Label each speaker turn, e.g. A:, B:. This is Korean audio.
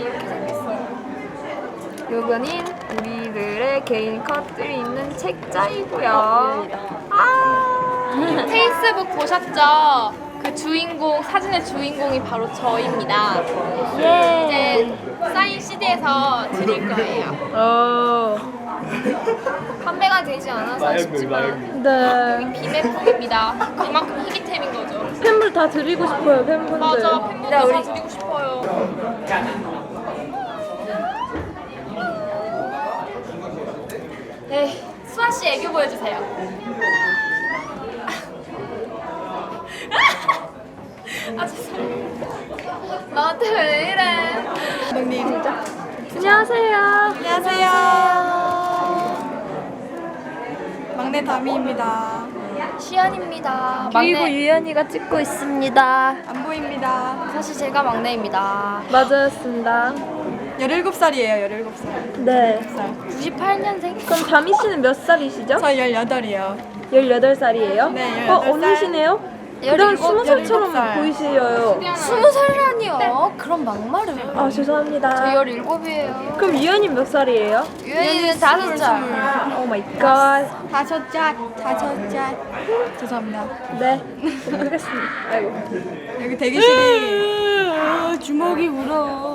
A: 이렇게 생겼어요.
B: 요거는 우리들의 개인 컷들이 있는 책자이고요.
A: 페이스북 보셨죠? 그 주인공, 사진의 주인공이 바로 저입니다.
B: 예.
A: 이제 사인 CD에서 드릴 거예요. 판매가 되지 않아서 아쉽지만
B: 네.
A: 비매품입니다. 그만큼 희귀템인 거죠.
B: 팬분 다 드리고 싶어요, 팬분들.
A: 맞아, 팬분들
B: 네,
A: 다
B: 우리
A: 드리고 싶어요. 에이, 수아 씨 애교 보여주세요. 아 죄송해요. 나한테 왜 이래?
B: 안녕하세요.
C: 안녕하세요. 막내 다미입니다.
A: 시연입니다.
B: 그리고
A: 막내.
B: 유연이가 찍고 있습니다.
C: 안 보입니다.
A: 사실 제가 막내입니다.
B: 맞았습니다.
C: 17살이에요, 17살.
B: 네.
A: 98년생?
B: 그럼 다미 씨는 몇 살이시죠?
C: 저 18이에요.
B: 18살이에요?
C: 네, 18살.
B: 언니시네요? 그럼 20살처럼
C: 17살.
B: 보이시어요.
A: 20살이라니요? 그럼 막말을.
B: 아, 죄송합니다.
A: 저 17이에요.
B: 그럼 유연이 몇 살이에요?
A: 유연이는 5살.
B: 오 마이 갓.
C: 5살. 죄송합니다.
B: 네. 모르겠습니다. 아이고.
C: 여기 대기실이 주먹이 울어.